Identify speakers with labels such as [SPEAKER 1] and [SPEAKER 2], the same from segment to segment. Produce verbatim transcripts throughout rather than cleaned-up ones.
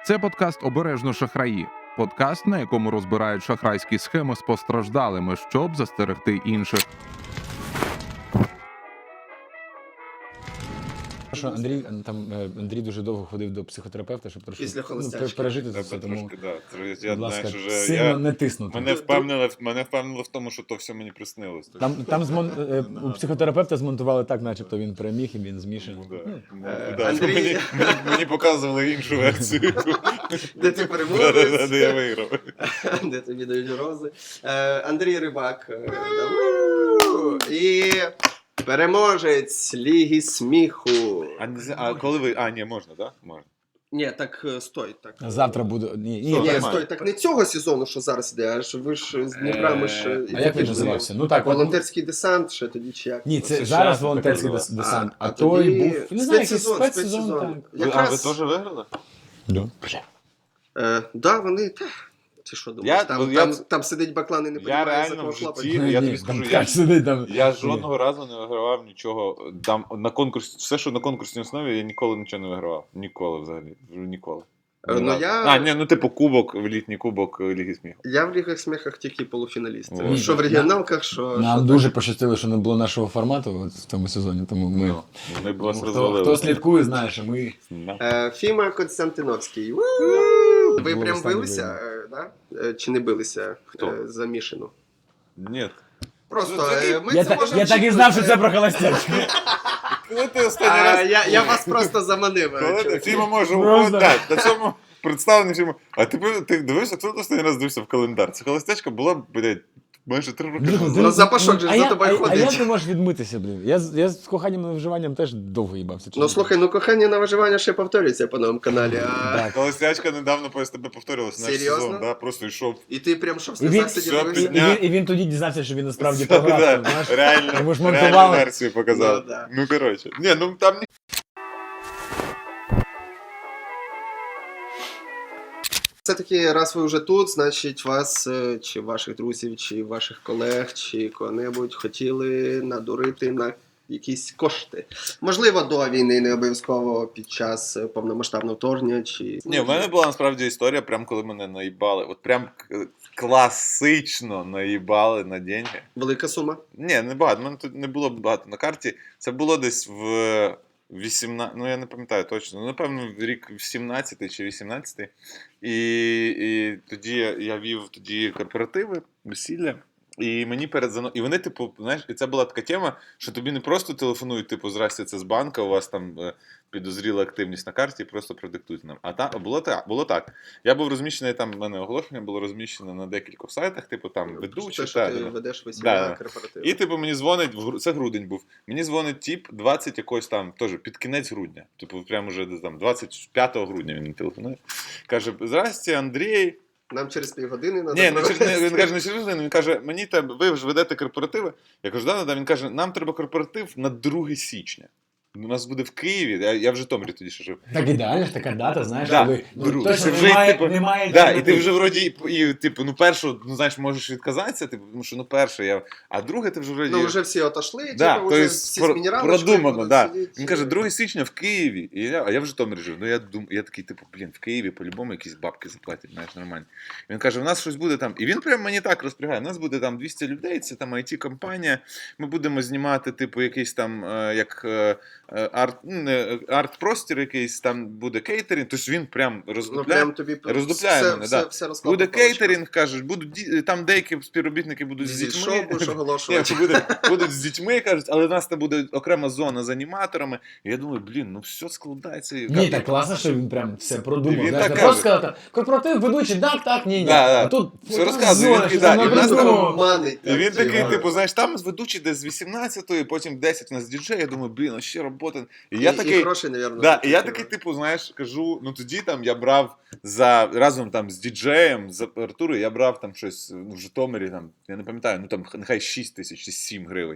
[SPEAKER 1] Це подкаст «Обережно шахраї». Подкаст, на якому розбирають шахрайські схеми з постраждалими, щоб застерегти інших.
[SPEAKER 2] Що Андрій там Андрій дуже довго ходив до психотерапевта, щоб трошки
[SPEAKER 3] Після
[SPEAKER 2] ну,
[SPEAKER 3] холостячки.
[SPEAKER 2] пережити це
[SPEAKER 4] Треба
[SPEAKER 2] все. Тому,
[SPEAKER 4] трошки, да. Це, я,
[SPEAKER 2] будь ласка,
[SPEAKER 4] знаєш, уже,
[SPEAKER 2] сильно
[SPEAKER 4] я,
[SPEAKER 2] не тиснути.
[SPEAKER 4] мене, впевнили, мене впевнили в тому, що то все мені приснилось.
[SPEAKER 2] Там, там змон... е, у психотерапевта змонтували так, начебто він переміг і він змішаний.
[SPEAKER 4] Ну, да. Ну,
[SPEAKER 3] Е,
[SPEAKER 4] да.
[SPEAKER 3] Андрій-
[SPEAKER 4] Мені, мені, мені показували іншу версію.
[SPEAKER 3] Де ти
[SPEAKER 4] Да, да, да,
[SPEAKER 3] переможець,
[SPEAKER 4] де я виграв.
[SPEAKER 3] де тобі дають рози. Е, Андрій Рибак. е, да, у! І переможець Ліги сміху.
[SPEAKER 4] А, не зна- а коли ви... А, ні, можна, так? Да? Можна.
[SPEAKER 3] Ні, так е, стой. Так.
[SPEAKER 2] Завтра буде. Ні, ні,
[SPEAKER 3] Ні,
[SPEAKER 4] нормально.
[SPEAKER 3] стой, так не цього сезону, що зараз іде, а ж ви ж з Дніпра, ми ж...
[SPEAKER 4] Е,
[SPEAKER 2] А як він називався? Ну так, от-
[SPEAKER 3] Волонтерський десант, ще тоді чи як?
[SPEAKER 2] Ні, це
[SPEAKER 4] Це
[SPEAKER 2] зараз
[SPEAKER 4] щас
[SPEAKER 2] волонтерський
[SPEAKER 4] так
[SPEAKER 2] дес- десант, а,
[SPEAKER 3] а
[SPEAKER 2] той
[SPEAKER 3] тоді
[SPEAKER 2] був. Не знаю, якийсь
[SPEAKER 3] спецсезон,
[SPEAKER 2] спецсезон,
[SPEAKER 3] спецсезон.
[SPEAKER 2] так.
[SPEAKER 4] Ви, а ви
[SPEAKER 3] Якраз-
[SPEAKER 4] теж виграли?
[SPEAKER 2] Да.
[SPEAKER 3] Е, да, вони... Та, ти що думаєш?
[SPEAKER 4] Я-
[SPEAKER 3] там,
[SPEAKER 4] я-
[SPEAKER 3] там, там сидить баклан і не
[SPEAKER 4] Я
[SPEAKER 3] понімає, за
[SPEAKER 4] реально
[SPEAKER 3] кого
[SPEAKER 4] в
[SPEAKER 3] хлопець.
[SPEAKER 4] житті-
[SPEAKER 2] Ні,
[SPEAKER 4] я
[SPEAKER 2] ні,
[SPEAKER 4] тобі
[SPEAKER 2] там
[SPEAKER 4] скажу,
[SPEAKER 2] ткач
[SPEAKER 4] я-
[SPEAKER 2] сидить там.
[SPEAKER 4] Я жодного разу не вигравав нічого. Там на конкурс, все, що на конкурсній основі, я ніколи нічого не вигравав. Ніколи взагалі. Ніколи.
[SPEAKER 3] Е, ну, я-
[SPEAKER 4] А, ні, ну типу кубок, літній кубок Ліги сміху.
[SPEAKER 3] Я в Лігах сміхах тільки полуфіналіст.
[SPEAKER 4] Ні,
[SPEAKER 3] Що в регіоналках, що...
[SPEAKER 2] Нам
[SPEAKER 3] що
[SPEAKER 2] дуже пощастило, що не було нашого формату от в цьому сезоні, тому ми.
[SPEAKER 4] Ну, Вони б вас
[SPEAKER 2] Хто,
[SPEAKER 4] розвалили.
[SPEAKER 2] хто слідкує, знає, що ми.
[SPEAKER 4] Да.
[SPEAKER 3] Е, Фіма Константиновський. Ви
[SPEAKER 2] Було
[SPEAKER 3] прям
[SPEAKER 2] останнє
[SPEAKER 3] билися, е, да? Е, чи не билися
[SPEAKER 4] Хто?
[SPEAKER 3] е, за Мішину?
[SPEAKER 4] Ні.
[SPEAKER 3] Просто
[SPEAKER 4] Це-
[SPEAKER 3] е, ми
[SPEAKER 2] Я,
[SPEAKER 3] це
[SPEAKER 2] так,
[SPEAKER 3] можемо
[SPEAKER 2] я так і
[SPEAKER 3] чіпнути.
[SPEAKER 2] знав, що це про холостячку.
[SPEAKER 4] Коли ти останній
[SPEAKER 3] А,
[SPEAKER 4] раз...
[SPEAKER 3] я, я вас просто заманив. е,
[SPEAKER 4] Коли ти
[SPEAKER 3] чуваки.
[SPEAKER 4] Фіма може
[SPEAKER 2] Просто.
[SPEAKER 4] уходити, так, на цьому представлений Фіма. А ти, пи- ти дивився, хто ти останній раз дивився в календар? Це холостячка була, блядь, майже три роки назад.
[SPEAKER 3] Ну, запашок же
[SPEAKER 2] а
[SPEAKER 3] за
[SPEAKER 2] я-
[SPEAKER 3] тобою
[SPEAKER 2] а,
[SPEAKER 3] ходить.
[SPEAKER 2] А як ти можеш відмитися, блін? Я, з- я з коханням на виживанням теж довго їбався.
[SPEAKER 3] Ну слухай, ну кохання на виживання ще повторюється по новому каналі, а...
[SPEAKER 2] Так.
[SPEAKER 4] Холостячка недавно по СТБ повторювалася наш
[SPEAKER 3] Серйозно?
[SPEAKER 4] сезон, да, просто йшов.
[SPEAKER 3] І ти прям що в
[SPEAKER 2] І він-
[SPEAKER 3] сльозах сидів
[SPEAKER 4] Все,
[SPEAKER 2] І,
[SPEAKER 3] дивився?
[SPEAKER 2] і, він, і він тоді дізнався, що він насправді
[SPEAKER 4] Да,
[SPEAKER 2] програв.
[SPEAKER 4] да,
[SPEAKER 2] там, знаєш?
[SPEAKER 4] реально,
[SPEAKER 2] Йому ж
[SPEAKER 4] реальну
[SPEAKER 2] монтували.
[SPEAKER 4] версію показав.
[SPEAKER 3] Ну, да.
[SPEAKER 4] Ну, коротше. Ні, ну там ні.
[SPEAKER 3] Все-таки, раз ви вже тут, значить вас, е, чи ваших друзів, чи ваших колег, чи кого-небудь хотіли надурити на якісь кошти. Можливо, до війни, не обов'язково під час е, повномасштабного вторгнення, чи...
[SPEAKER 4] Ні, в мене була насправді історія, прям коли мене наїбали. От прям к- класично наїбали на деньги.
[SPEAKER 3] Велика сума.
[SPEAKER 4] Ні, не багато. У мене тут не було багато на карті. Це було десь в вісімнадцятому, ну я не пам'ятаю точно, ну, напевно, в рік сімнадцятий чи вісімнадцятий. І, і тоді я- я вів тоді корпоративи, весілля. І мені перед зано... І вони, типу, знаєш, і це була така тема, що тобі не просто телефонують, типу, здрасте, це з банка, у вас там е, підозріла активність на карті, просто продиктуйте нам. А та було так, було так. Я був розміщений там, в мене оголошення було розміщено на декількох сайтах, типу там ведучі.
[SPEAKER 3] Те, що
[SPEAKER 4] та,
[SPEAKER 3] ти
[SPEAKER 4] да.
[SPEAKER 3] ведеш
[SPEAKER 4] Да,
[SPEAKER 3] весілля
[SPEAKER 4] да.
[SPEAKER 3] корпоратив.
[SPEAKER 4] І типу мені дзвонить, в гру- це грудень був. Мені дзвонить тіп двадцять якось там, теж під кінець грудня. Типу, прямо вже десь там двадцять п'ятого грудня він мені телефонує. Каже: здрасте, Андрій.
[SPEAKER 3] Нам через півгодини треба
[SPEAKER 4] Ні, не через, не, він каже, не через годину, він каже, мені треба, ви вже ведете корпоративи. Я кажу, да, да, він каже, нам треба корпоратив на друге січня. У нас буде в Києві, я, я в Житомирі тоді ще жив.
[SPEAKER 2] Так ідеально ж така дата, знаєш,
[SPEAKER 4] Да,
[SPEAKER 2] коли ну,
[SPEAKER 4] друг.
[SPEAKER 2] точно
[SPEAKER 4] Це вже,
[SPEAKER 2] немає,
[SPEAKER 4] типу,
[SPEAKER 2] немає
[SPEAKER 4] Да, і ти
[SPEAKER 2] альтернатив.
[SPEAKER 4] вже вроді, і, і, типу, ну першу, ну знаєш, можеш відказатися, типу, тому що ну перше, я, а друге ти вже вроді...
[SPEAKER 3] Ну, вже всі отошли,
[SPEAKER 4] Да,
[SPEAKER 3] типу,
[SPEAKER 4] то
[SPEAKER 3] вже
[SPEAKER 4] есть
[SPEAKER 3] всі
[SPEAKER 4] про-
[SPEAKER 3] з мінералочкою
[SPEAKER 4] продумано,
[SPEAKER 3] будуть
[SPEAKER 4] да.
[SPEAKER 3] сидіти.
[SPEAKER 4] Він каже, друге січня в Києві. І я, а я в Житомирі жив. Ну я дум, я такий, типу, блін, в Києві по-любому якісь бабки заплатять, знаєш, нормально. Він каже, у нас щось буде там. І він прям мені так розпрягає. У нас буде там двісті людей, це там ай ті-компанія. Ми будемо знімати, типу, якийсь там, е, як е, е, арт, ну, не, арт-простір якийсь, там буде кейтерінг. Тобто він прям
[SPEAKER 3] Ну,
[SPEAKER 4] роздупляє.
[SPEAKER 3] прям тобі
[SPEAKER 4] роздупляє
[SPEAKER 3] все,
[SPEAKER 4] мене,
[SPEAKER 3] все,
[SPEAKER 4] да.
[SPEAKER 3] все розкладно
[SPEAKER 4] Буде
[SPEAKER 3] по полочкам.
[SPEAKER 4] кейтерінг, кажуть, будуть ді- там деякі співробітники будуть з
[SPEAKER 3] Зі
[SPEAKER 4] дітьми.
[SPEAKER 3] шоу будеш
[SPEAKER 4] Ні,
[SPEAKER 3] оголошувати.
[SPEAKER 4] буде, будуть з дітьми, кажуть, але в нас там буде окрема зона з аніматорами. І я думаю, блін, ну все складається. І
[SPEAKER 2] Ні,
[SPEAKER 4] кажу,
[SPEAKER 2] так класно, що він прям все
[SPEAKER 4] І
[SPEAKER 2] продумав.
[SPEAKER 4] він
[SPEAKER 2] Знаєш,
[SPEAKER 4] так
[SPEAKER 2] не
[SPEAKER 4] каже.
[SPEAKER 2] просто сказав, так, корпоратив, ведучий, так, так, ні, ні.
[SPEAKER 4] Да, да.
[SPEAKER 2] А тут
[SPEAKER 4] Все розказує,
[SPEAKER 2] зона,
[SPEAKER 4] він-
[SPEAKER 2] що
[SPEAKER 4] да,
[SPEAKER 2] там
[SPEAKER 4] і в нас
[SPEAKER 2] напридумав.
[SPEAKER 4] там-
[SPEAKER 3] Манить,
[SPEAKER 4] І він
[SPEAKER 3] так,
[SPEAKER 4] такий,
[SPEAKER 3] типу.
[SPEAKER 4] типу, знаєш, там ведучий десь з вісімнадцятої, потім десять у нас діджей. Я думаю, блін, а ще робота. І я
[SPEAKER 3] І-
[SPEAKER 4] такий.
[SPEAKER 3] І гроші, навірно.
[SPEAKER 4] Да, і я такий, типу, знаєш, кажу, ну тоді там я брав за разом там з діджеєм, з апаратурою, я брав там щось ну, в Житомирі, там, я не пам'ятаю, ну там нехай шість тисяч чи сім гривень.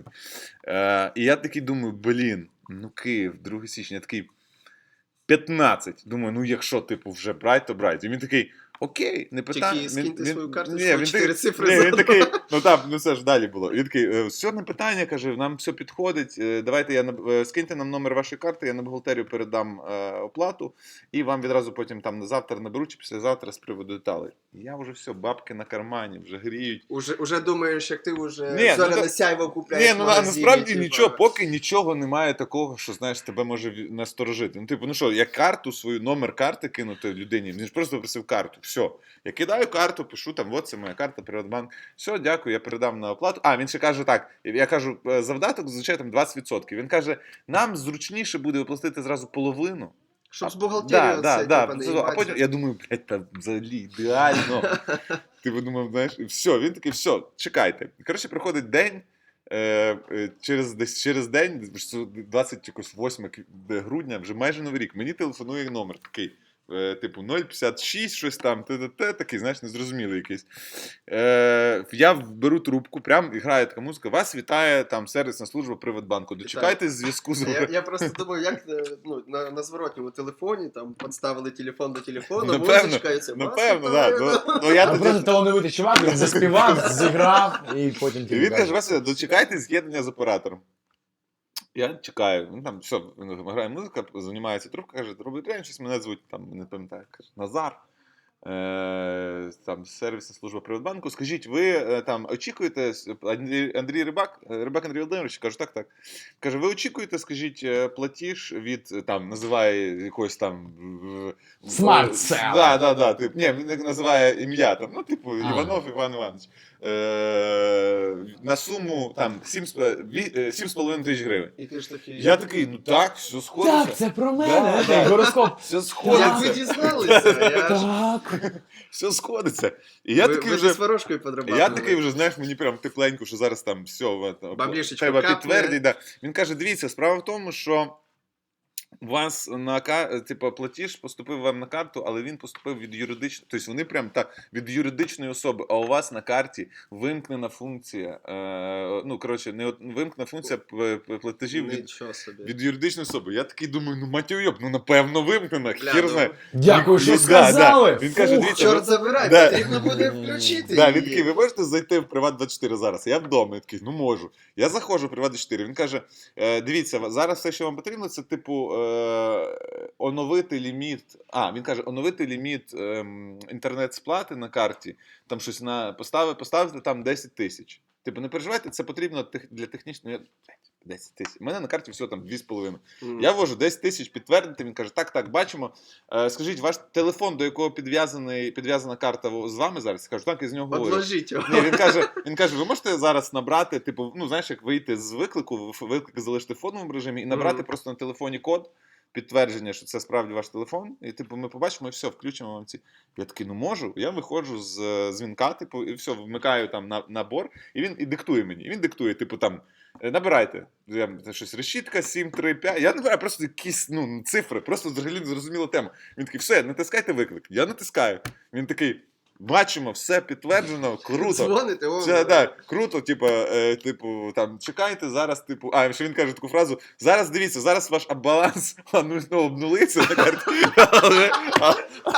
[SPEAKER 4] Е, і я такий думаю, блін, ну Київ, друге січня, я такий п'ятнадцять. Думаю, ну якщо, типу, вже брать, то брать. І він такий, окей, не питання.
[SPEAKER 3] Тільки скиньте свою карточку,
[SPEAKER 4] ні, він
[SPEAKER 3] чотири
[SPEAKER 4] такий-
[SPEAKER 3] цифри
[SPEAKER 4] ні, він
[SPEAKER 3] задав.
[SPEAKER 4] такий, ну там, ну все ж далі було. Він такий, «Е, все не питання, каже, нам все підходить, е, давайте я, на- е, скиньте нам номер вашої карти, я на бухгалтерію передам е, оплату, і вам відразу потім там на завтра наберу чи післязавтра з приводу деталей. Я вже все, бабки на кармані, вже гріють.
[SPEAKER 3] Уже, уже думаєш, як ти вже
[SPEAKER 4] Ні, ну,
[SPEAKER 3] зоряне
[SPEAKER 4] то-
[SPEAKER 3] сяйво купляєш.
[SPEAKER 4] Ні, ну
[SPEAKER 3] в
[SPEAKER 4] на,
[SPEAKER 3] магазині,
[SPEAKER 4] насправді
[SPEAKER 3] типа.
[SPEAKER 4] нічого, поки нічого немає такого, що, знаєш, тебе може ві- насторожити. Ну, типу, ну що, я карту, свою номер карти кинути людині, він ж просто попросив карту, все. Я кидаю карту, пишу там, от це моя карта, Приватбанк, все, дякую, я передам на оплату. А, він ще каже так, я кажу, «Е, завдаток, звичайно, там двадцять відсотків. Він каже, нам зручніше буде оплатити зразу половину.
[SPEAKER 3] Щоб з
[SPEAKER 4] Да,
[SPEAKER 3] бухгалтерією
[SPEAKER 4] да,
[SPEAKER 3] це,
[SPEAKER 4] да.
[SPEAKER 3] типа, не
[SPEAKER 4] Це- А
[SPEAKER 3] їбаться.
[SPEAKER 4] потім я думаю, блядь, там взагалі ідеально. Ти подумав, знаєш, і все, він такий, все, чекайте. Коротше, приходить день, е, е, через, десь через день, двадцять восьмого грудня, вже майже новий рік, мені телефонує номер такий, е, типу нуль п'ятдесят шість, щось там, т-т-т, такий, знаєш, незрозумілий якийсь. Е, я беру трубку, прям і грає така музика, вас вітає там сервісна служба Приватбанку, дочекайтесь зв'язку з...
[SPEAKER 3] Я, я просто думаю, як е, ну, на, на зворотньому телефоні там підставили телефон до телефону,
[SPEAKER 4] Напевно,
[SPEAKER 3] музичка і це.
[SPEAKER 4] Напевно,
[SPEAKER 3] «Вас
[SPEAKER 4] так.
[SPEAKER 3] вітаю».
[SPEAKER 4] Ну, ну, я
[SPEAKER 2] А
[SPEAKER 4] тоді...
[SPEAKER 2] просто талановитий чувак, він заспівав, зіграв і потім
[SPEAKER 4] І
[SPEAKER 2] тобі
[SPEAKER 4] він каже,
[SPEAKER 2] каже.
[SPEAKER 4] Вася, дочекайте з'єднання з оператором. Я чекаю, ну там все, грає музика, займається трубка, каже, робить день, щось мене звуть, там, не пам'ятаю, каже, Назар, е, там, сервісна служба Приватбанку. Скажіть, ви е, там очікуєте, Андрій, Андрій Рибак, е, Рибак Андрій Володимирович, кажу, так, так. Каже, ви очікуєте, скажіть, е, платіж від, е, там, називає якогось там... в- в-
[SPEAKER 2] Smart
[SPEAKER 4] е,
[SPEAKER 2] Cell.
[SPEAKER 4] Да, да, да, тип, ні, він називає ім'я, там, ну, типу,
[SPEAKER 2] А.
[SPEAKER 4] Іванов Іван Іванович. Е, на суму, там, сім з половиною тисяч гривень.
[SPEAKER 3] І ти ж такий.
[SPEAKER 4] Я такий, ну так, все сходиться.
[SPEAKER 2] Так, це про
[SPEAKER 4] Да,
[SPEAKER 2] мене,
[SPEAKER 4] да.
[SPEAKER 2] да, гороскоп.
[SPEAKER 4] Все
[SPEAKER 3] Як ви
[SPEAKER 4] сходиться.
[SPEAKER 3] дізналися? Я ж...
[SPEAKER 2] Так.
[SPEAKER 4] Все сходиться. І я
[SPEAKER 3] ви,
[SPEAKER 4] такий
[SPEAKER 3] ви
[SPEAKER 4] вже.
[SPEAKER 3] ж з ворожкою подрабатували.
[SPEAKER 4] Я такий вже, знаєш, мені прям тепленько, що зараз там все, от,
[SPEAKER 3] Баблішечко
[SPEAKER 4] треба
[SPEAKER 3] капне.
[SPEAKER 4] підтвердити. Да. Він каже, дивіться, справа в тому, що у вас на ка- типу, платіж поступив вам на карту, але він поступив від юридичної, тобто вони прям так, від юридичної особи, а у вас на карті вимкнена функція, е, ну, коротше, не от- вимкнена функція п- п- платежів від,
[SPEAKER 3] Нічого собі.
[SPEAKER 4] від юридичної особи. Я такий думаю, ну матюйоб, ну напевно вимкнена,
[SPEAKER 3] Бля,
[SPEAKER 4] хір
[SPEAKER 3] ну,
[SPEAKER 4] знає.
[SPEAKER 2] Дякую, що
[SPEAKER 4] Да,
[SPEAKER 2] сказали.
[SPEAKER 4] да. Він каже,
[SPEAKER 2] Фух.
[SPEAKER 4] дивіться,
[SPEAKER 3] Чорт забирай,
[SPEAKER 4] Да.
[SPEAKER 3] потрібно буде включити
[SPEAKER 4] Да, він
[SPEAKER 3] її.
[SPEAKER 4] такий, ви можете зайти в Приват двадцять чотири зараз? Я вдома. Я такий, ну можу. Я заходжу в Приват двадцять чотири. Він каже, е, дивіться, зараз все, що вам потрібно, це типу е, оновити ліміт. А, він каже, оновити ліміт е, інтернет-сплати на карті. Там щось на поставити, поставити там десять тисяч. Типу, не переживайте, це потрібно тех- для технічної. десять тисяч. У мене на карті все там дві з половиною.
[SPEAKER 3] Мгм.
[SPEAKER 4] Я ввожу десять тисяч підтвердити. Він каже, так, так, бачимо. Е, скажіть, ваш телефон, до якого підв'язаний, підв'язана карта з вами зараз? Я кажу, так, я з нього говорю.
[SPEAKER 3] Одложіть його.
[SPEAKER 4] Ні, він каже, він каже, ви можете зараз набрати, типу, ну знаєш, як вийти з виклику, в- виклик залишити в фоновому режимі і набрати
[SPEAKER 3] Мгм.
[SPEAKER 4] просто на телефоні код, підтвердження, що це справді ваш телефон, і типу ми побачимо і все, включимо вам ці. Я такий, ну можу. Я виходжу з е, дзвінка, типу, і все, вмикаю там на, набор, і він і диктує мені. І він диктує, типу, там. е, Набирайте. Я, це щось решітка, сім, три, п'ять. Я набираю просто якісь ну, цифри, просто взагалі незрозуміла тема. Він такий, все, натискайте виклик. Я натискаю. Він такий, бачимо, все підтверджено, круто.
[SPEAKER 3] Дзвоните, о,
[SPEAKER 4] Це так, круто, типу, е, типу, там, чекайте зараз, типу, а, ще він каже таку фразу, зараз дивіться, зараз ваш баланс ну, ну, обнулиться на карті, але, а-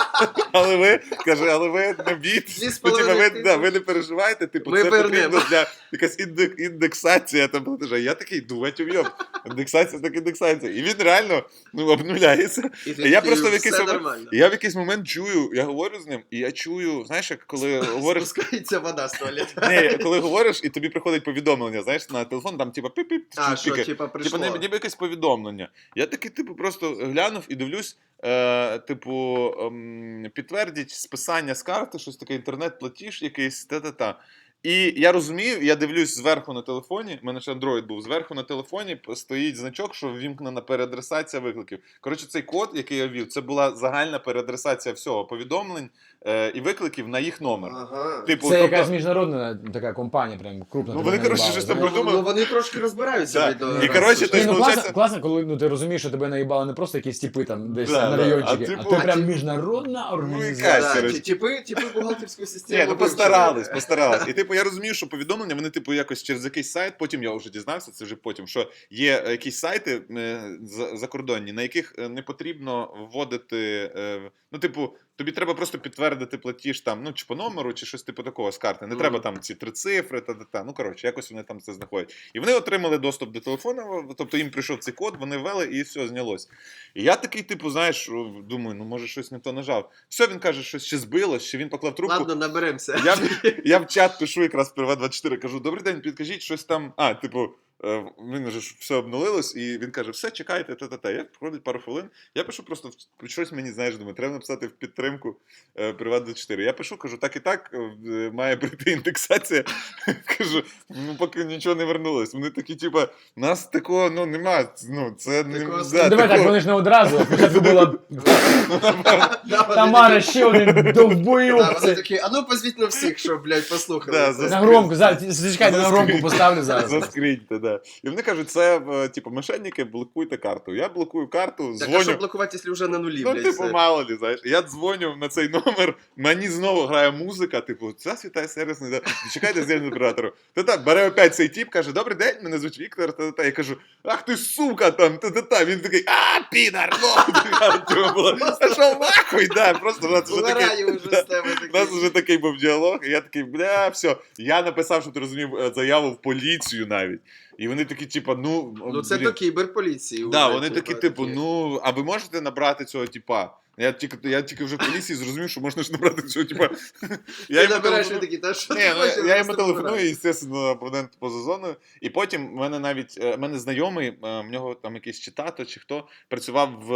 [SPEAKER 4] але ви, каже, але ви не бійтесь,
[SPEAKER 3] Дві з
[SPEAKER 4] ну, типу, ви,
[SPEAKER 3] половиною
[SPEAKER 4] да, ви не переживайте, типу,
[SPEAKER 3] Ми
[SPEAKER 4] це
[SPEAKER 3] вернемо.
[SPEAKER 4] потрібно для якась індек, індексація там платежа. Я такий, думать ув'єм, індексація так індексація. І він реально, ну, обнуляється.
[SPEAKER 3] І ти
[SPEAKER 4] Я
[SPEAKER 3] такий,
[SPEAKER 4] просто в
[SPEAKER 3] все
[SPEAKER 4] якийсь момент,
[SPEAKER 3] нормально.
[SPEAKER 4] і я в якийсь момент чую, я говорю з ним, і я чую, знаєш, як коли говориш,
[SPEAKER 3] Спускається вода з туалету.
[SPEAKER 4] ні, коли говориш, і тобі приходить повідомлення, знаєш, на телефон, там типа піп-піп,
[SPEAKER 3] А,
[SPEAKER 4] чи
[SPEAKER 3] що,
[SPEAKER 4] пікає.
[SPEAKER 3] типа,
[SPEAKER 4] Типа
[SPEAKER 3] прийшло.
[SPEAKER 4] ніби, ніби якесь повідомлення. Я такий, типу, просто глянув і дивлюсь, е, типу, ем, підтвердіть списання з карти, щось таке, інтернет-платіж якийсь, та-та-та. І я розумію, я дивлюсь зверху на телефоні, в мене ще Android був, зверху на телефоні стоїть значок, що ввімкнена переадресація викликів. Коротше, цей код, який я ввів, це була загальна переадресація всього, повідомлень е, і викликів на їх номер.
[SPEAKER 3] Ага.
[SPEAKER 4] Типу,
[SPEAKER 2] Це
[SPEAKER 4] тобто-
[SPEAKER 2] якась міжнародна така компанія, прям крупна.
[SPEAKER 4] Ну,
[SPEAKER 2] тебе
[SPEAKER 4] вони, коротше,
[SPEAKER 2] наїбала,
[SPEAKER 4] щось там
[SPEAKER 2] знаєш.
[SPEAKER 3] Ну,
[SPEAKER 4] придумали.
[SPEAKER 3] ну, вони трошки розбираються.
[SPEAKER 4] Да.
[SPEAKER 3] від,
[SPEAKER 4] І,
[SPEAKER 3] раз,
[SPEAKER 4] коротше,
[SPEAKER 3] що-
[SPEAKER 4] то
[SPEAKER 2] Ні,
[SPEAKER 4] есть,
[SPEAKER 2] ну,
[SPEAKER 4] получается-
[SPEAKER 2] класно, класно, коли ну, ти розумієш, що тебе наїбали не просто якісь типи там десь
[SPEAKER 4] Да,
[SPEAKER 2] на
[SPEAKER 4] да.
[SPEAKER 2] райончики,
[SPEAKER 4] А
[SPEAKER 2] а,
[SPEAKER 4] типу-
[SPEAKER 2] ти прям
[SPEAKER 3] А ті-
[SPEAKER 2] міжнародна організація.
[SPEAKER 4] якась,
[SPEAKER 3] Да,
[SPEAKER 4] коротше.
[SPEAKER 3] ті- типи, типи бухгалтерську систему.
[SPEAKER 4] Ні, ну
[SPEAKER 3] вивчили.
[SPEAKER 4] постарались, постарались. І типу я розумію, що повідомлення, вони типу якось через якийсь сайт, потім я вже дізнався, це вже потім, що є е, якісь сайти е, за- закордонні, на яких е, не потрібно вводити, е, ну, типу, тобі треба просто підтвердити платіж там, ну, чи по номеру, чи щось типу такого з карти. Не
[SPEAKER 3] Мгм.
[SPEAKER 4] треба там ці три цифри, та, та, та. Ну, коротше, якось вони там це знаходять. І вони отримали доступ до телефону, тобто їм прийшов цей код, вони ввели і все, знялось. І я такий, типу, знаєш, думаю, ну, може, щось не то нажав. Все, він каже, що ще збилось, ще він поклав трубку.
[SPEAKER 3] Ладно, наберемося.
[SPEAKER 4] Я, в- я в чат пишу якраз Приват двадцять чотири, кажу, добрий день, підкажіть, щось там. А, типу, е, він вже ж все обнулилось, і він каже, все, чекайте, та-та-та. Я проходить пару хвилин. Я пишу просто в- щось мені, знаєш, думаю, треба написати в підтримку е, Приват двадцять чотири. Я пишу, кажу, так і так, е, має прийти індексація. Кажу, ну поки нічого не вернулось. Вони такі, типа, нас такого, ну, нема. Ну, це не
[SPEAKER 3] Такого
[SPEAKER 4] да,
[SPEAKER 2] Ну, давай так,
[SPEAKER 4] такого-
[SPEAKER 2] вони ж не одразу. Спочатку була
[SPEAKER 3] Да, вони
[SPEAKER 2] Тамара,
[SPEAKER 3] такі-
[SPEAKER 2] ще один
[SPEAKER 3] Да, вони
[SPEAKER 2] довбойовці.
[SPEAKER 3] такі, а ну позвіть на всіх, щоб, блядь, послухали.
[SPEAKER 4] Да,
[SPEAKER 3] це.
[SPEAKER 4] за-
[SPEAKER 2] На громку, зараз, зачекайте, на громку поставлю зараз.
[SPEAKER 4] Заскріньте, да. І вони кажуть, це, е, типу, мошенники, блокуйте карту. Я блокую карту,
[SPEAKER 3] Так, а
[SPEAKER 4] дзвоню.
[SPEAKER 3] що блокувати, якщо вже на нулі,
[SPEAKER 4] Ну,
[SPEAKER 3] блядь,
[SPEAKER 4] типу,
[SPEAKER 3] все?
[SPEAKER 4] мало лі, знаєш. Я дзвоню на цей номер, мені знову грає музика, типу, це світає сервісний, да. чекайте з оператору. Та-та, бере опять цей тип, каже, добрий день, мене звуть Віктор, та-та-та. Я кажу, ах ти сука, там, та-та-та. Він такий, а, підар, ну, типу, було, а що, нахуй, да, просто у нас вже такий,
[SPEAKER 3] Вмираю вже з тебе
[SPEAKER 4] у нас
[SPEAKER 3] такий.
[SPEAKER 4] вже такий був діалог, і я такий, бля, все. Я написав, що ти розумів, е, заяву в поліцію навіть. І вони такі, типу, ну,
[SPEAKER 3] Ну це
[SPEAKER 4] блін.
[SPEAKER 3] до кіберполіції.
[SPEAKER 4] Да,
[SPEAKER 3] вже,
[SPEAKER 4] вони такі, типу, ну, а ви можете набрати цього типа? Я тільки, я тільки вже в поліції зрозумів, що можна ж набрати цього типа. Я
[SPEAKER 3] Ти
[SPEAKER 4] йому
[SPEAKER 3] набираєш,
[SPEAKER 4] телефоную-
[SPEAKER 3] він такий, та що
[SPEAKER 4] Ні,
[SPEAKER 3] ти
[SPEAKER 4] ну,
[SPEAKER 3] хочеш?
[SPEAKER 4] я йому
[SPEAKER 3] Просто
[SPEAKER 4] телефоную,
[SPEAKER 3] набирай.
[SPEAKER 4] звісно, абонент поза зоною. І потім в мене навіть е, в мене знайомий, е, в нього там якийсь чи тато, чи хто працював в,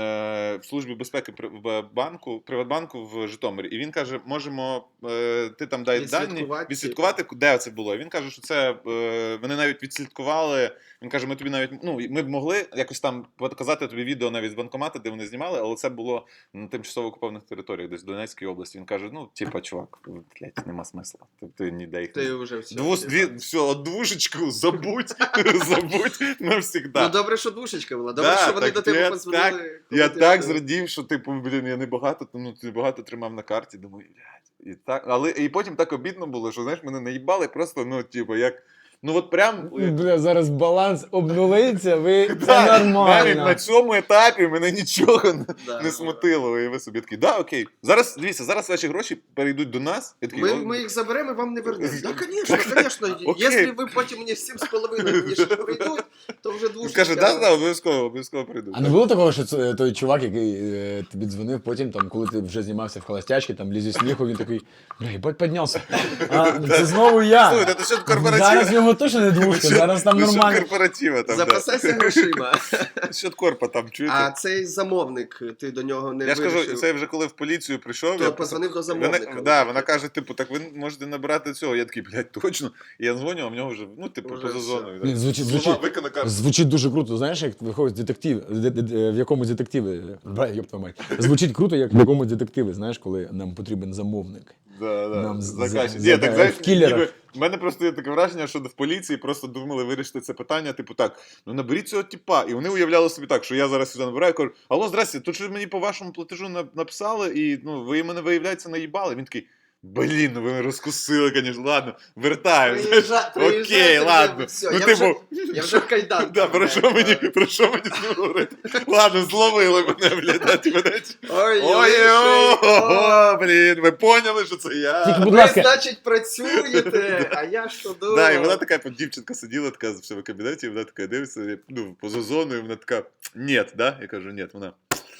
[SPEAKER 4] е, в службі безпеки при- в банку, Приватбанку в Житомирі. І він каже, можемо, е, ти там дай дані,
[SPEAKER 3] Відслідкувати,
[SPEAKER 4] відслідкувати, де це було. І він каже, що це е, вони навіть відслідкували. Він каже, ми тобі навіть, ну, ми б могли якось там показати тобі відео навіть з банкомата, де вони знімали, але це було на тимчасово окупованих територіях, десь в Донецькій області. Він каже, ну, типа, чувак, блядь, нема смисла. Ти, ти ніде їх не...
[SPEAKER 3] Ти вже все.
[SPEAKER 4] Двус, дві, все, от двушечку забудь, забудь навсегда.
[SPEAKER 3] Ну добре, що душечка була. Добре,
[SPEAKER 4] Да,
[SPEAKER 3] що вони
[SPEAKER 4] так
[SPEAKER 3] до тебе
[SPEAKER 4] я
[SPEAKER 3] подзвонили.
[SPEAKER 4] так-
[SPEAKER 3] коли
[SPEAKER 4] Я
[SPEAKER 3] ти
[SPEAKER 4] так
[SPEAKER 3] вже-
[SPEAKER 4] зрадів, що типу, блін, я не багато, ну, не багато тримав на карті, думаю, блядь, і так, але і потім так обідно було, що знаєш, мене наїбали просто, ну, типу, як, ну от прям.
[SPEAKER 2] Бля, зараз баланс обнулиться, ви це
[SPEAKER 4] Да, навіть
[SPEAKER 2] нормально.
[SPEAKER 4] на цьому етапі мене нічого не,
[SPEAKER 3] Да.
[SPEAKER 4] не смутило. І ви собі такі, да, окей. Зараз, дивіться, зараз ваші гроші перейдуть до нас. Я такий,
[SPEAKER 3] Ми,
[SPEAKER 4] «О,
[SPEAKER 3] ми їх заберемо і вам не вернемо. Так, звісно, звісно.
[SPEAKER 4] Окей.
[SPEAKER 3] Якщо ви потім мені сім з половиною мені ще прийдуть, то вже
[SPEAKER 4] Він
[SPEAKER 3] двушечка.
[SPEAKER 4] каже, да, да, обов'язково, обов'язково прийду.
[SPEAKER 2] А не було такого, що це, той чувак, який е, тобі дзвонив потім, там, коли ти вже знімався в холостячки, там лізі сміху, він такий, бля, їбать, піднявся. А, це знову я.
[SPEAKER 4] Слухайте, це що корпоратив?
[SPEAKER 2] Зараз в нього точно не двушка, зараз там
[SPEAKER 4] Ну, що
[SPEAKER 2] нормально.
[SPEAKER 4] корпоратива там,
[SPEAKER 3] Запасайся грошима.
[SPEAKER 4] да. Що корпа там, чуєте?
[SPEAKER 3] А цей замовник, ти до нього не
[SPEAKER 4] Я ж
[SPEAKER 3] вирішив.
[SPEAKER 4] кажу, це вже коли в поліцію прийшов.
[SPEAKER 3] То
[SPEAKER 4] я
[SPEAKER 3] позвонив до
[SPEAKER 4] Вона,
[SPEAKER 3] замовника.
[SPEAKER 4] да, вона каже, типу, так ви можете набирати цього. Я такий, блядь, точно. І я дзвоню, а в нього вже, ну, типу,
[SPEAKER 3] Вже
[SPEAKER 4] поза
[SPEAKER 3] все.
[SPEAKER 4] зоною.
[SPEAKER 2] Блін, звучить-
[SPEAKER 4] Слова
[SPEAKER 2] звучить-
[SPEAKER 4] викона карту.
[SPEAKER 2] Звучить дуже круто, знаєш, як виходить детектив, де- де- де- в якомусь детективі, бля, ёб твою мать. Звучить круто, як в якомусь детективі, знаєш, коли нам потрібен замовник.
[SPEAKER 4] Да, да.
[SPEAKER 2] Нам з-
[SPEAKER 4] Заказчик.
[SPEAKER 2] за-
[SPEAKER 4] Ні,
[SPEAKER 2] за-
[SPEAKER 4] так, знаєш,
[SPEAKER 2] в кілерах.
[SPEAKER 4] ніби, в мене просто є таке враження, що в поліції просто думали вирішити це питання, типу так, ну наберіть цього типа. І вони уявляли собі так, що я зараз сюди набираю, кажу, алло, здрасте, тут же мені по вашому платежу на- написали, і ну, ви мене, виявляється, наїбали. Він такий, блін, ну ви мене розкусили, звісно, ладно, вертаю. знаєш.
[SPEAKER 3] Приїжджа-
[SPEAKER 4] Окей,
[SPEAKER 3] приїжджайте вже,
[SPEAKER 4] ладно.
[SPEAKER 3] все,
[SPEAKER 4] Ну,
[SPEAKER 3] я
[SPEAKER 4] типу,
[SPEAKER 3] вже- Я вже в кайданках.
[SPEAKER 4] да, про що
[SPEAKER 3] блядь,
[SPEAKER 4] мені,
[SPEAKER 3] да.
[SPEAKER 4] про що мені з ним говорити? Ладно, зловили мене, блядь, да, типу, знаєш.
[SPEAKER 3] Ой,
[SPEAKER 4] Ой,
[SPEAKER 3] ой,
[SPEAKER 4] о, блін, ви поняли, що це я?
[SPEAKER 2] Тільки, будь
[SPEAKER 3] Ви,
[SPEAKER 2] ласка,
[SPEAKER 3] значить, працюєте, а я що думав?
[SPEAKER 4] Да, і вона така, от дівчинка сиділа така в себе кабінеті, і вона така дивиться, я, ну, поза зоною, вона така, ні, да? Я кажу, ні, вона,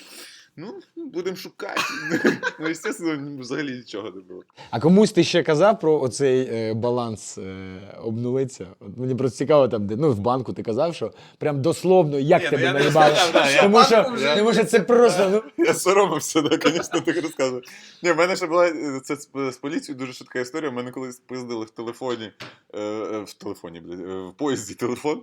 [SPEAKER 4] ну, будемо шукати. Ну, звісно, взагалі нічого не було.
[SPEAKER 2] а комусь ти ще казав про оцей е, баланс е, обнулиться? От мені просто цікаво, там, де, ну, в банку ти казав, що прям дословно, як
[SPEAKER 4] Ні, ну,
[SPEAKER 2] тебе
[SPEAKER 4] я не
[SPEAKER 2] наїбали.
[SPEAKER 4] розказав, да, я-
[SPEAKER 2] Тому що,
[SPEAKER 3] Банку вже-
[SPEAKER 2] тому що це просто, ну,
[SPEAKER 4] Я соромився, да, звісно, так розказую. Ні, в мене ще була е, це з, з поліцією дуже швидка історія. У мене колись пиздили в телефоні, е, е, в телефоні, блядь, е, в поїзді телефон.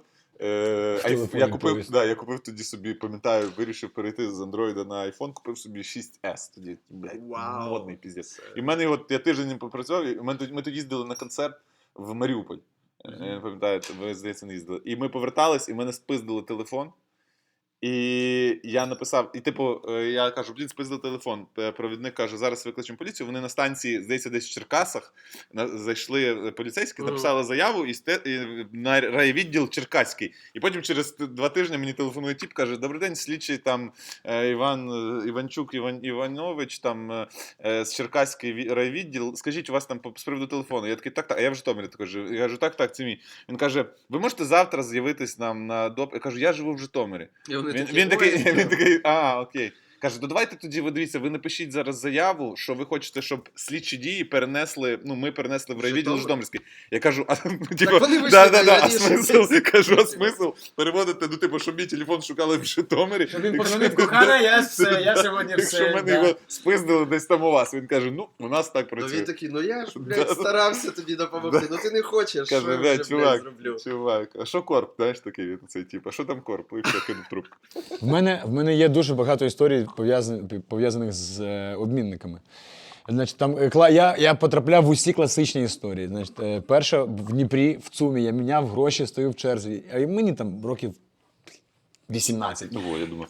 [SPEAKER 4] Е, айф-
[SPEAKER 2] телефоні
[SPEAKER 4] я, купив,
[SPEAKER 2] поїзд.
[SPEAKER 4] да, я купив тоді собі, пам'ятаю, вирішив перейти з Android на iPhone, купив собі шість ес тоді, блядь,
[SPEAKER 3] Вау.
[SPEAKER 4] модний піздець. І в мене його, я тиждень ним попрацював, і ми, тоді- ми тоді їздили на концерт в Маріуполь. Я не пам'ятаю, ви, здається, не їздили. І ми повертались, і в мене спиздили телефон. І я написав, і типу, е, я кажу, блін, спиздили телефон. Е, Провідник каже, зараз викличемо поліцію. Вони на станції, здається, десь в Черкасах на- зайшли поліцейські,
[SPEAKER 3] Мгм.
[SPEAKER 4] написали заяву і, сте, і на райвідділ Черкаський. І потім через т- два тижні мені телефонує тіп, каже, добрий день, слідчий там е, Іван е, Іванчук Іван Іванович, там е, е, з Черкаський ві- райвідділ. Скажіть, у вас там по- з приводу телефону? Я такий, так, так, а я в Житомирі. Так кажу, я кажу, так, так, це мій. Він каже, ви можете завтра з'явитись нам на доп. Я кажу, я живу в Житомирі.
[SPEAKER 3] І вони
[SPEAKER 4] Він,
[SPEAKER 3] такі,
[SPEAKER 4] він, такий,
[SPEAKER 3] «Ой,
[SPEAKER 4] він такий, а, окей. Каже, то давайте тоді, ви дивіться, ви напишіть зараз заяву, що ви хочете, щоб слідчі дії перенесли, ну, ми перенесли в райвідділ
[SPEAKER 3] Житомир.
[SPEAKER 4] Житомирський. Я кажу, а, ну, типу,
[SPEAKER 3] вони вийшли
[SPEAKER 4] да, да, да, а
[SPEAKER 3] раніше.
[SPEAKER 4] смисл, кажу, а смисл переводити, ну, типу, щоб мій телефон шукали в Житомирі.
[SPEAKER 2] Він
[SPEAKER 4] Якщо-
[SPEAKER 2] подзвонив, кохана, я все, я сьогодні
[SPEAKER 4] Якщо
[SPEAKER 2] все.
[SPEAKER 4] мене
[SPEAKER 2] да.
[SPEAKER 4] його спиздили десь там у вас, він каже, ну, у нас так
[SPEAKER 3] Ну
[SPEAKER 4] працює.
[SPEAKER 3] він такий, ну я ж,
[SPEAKER 4] Да.
[SPEAKER 3] блядь, старався тобі допомогти, ну ти не хочеш, що
[SPEAKER 4] Каже,
[SPEAKER 3] я
[SPEAKER 4] блядь,
[SPEAKER 3] вже,
[SPEAKER 4] чувак,
[SPEAKER 3] блядь, зроблю.
[SPEAKER 4] чувак, а що корп, знаєш, такий він, цей тип, а що там корп? І все, кинув трубку.
[SPEAKER 2] В мене, в мене є дуже багато історій, пов'язаних, пов'язаних з е, обмінниками. Значить, там, е, кла- я, я потрапляв в усі класичні історії. Значить, е, перша в Дніпрі, в ЦУМі, я міняв гроші, стою в черзі. А й мені там років вісімнадцять.
[SPEAKER 4] Ну, во, я думав.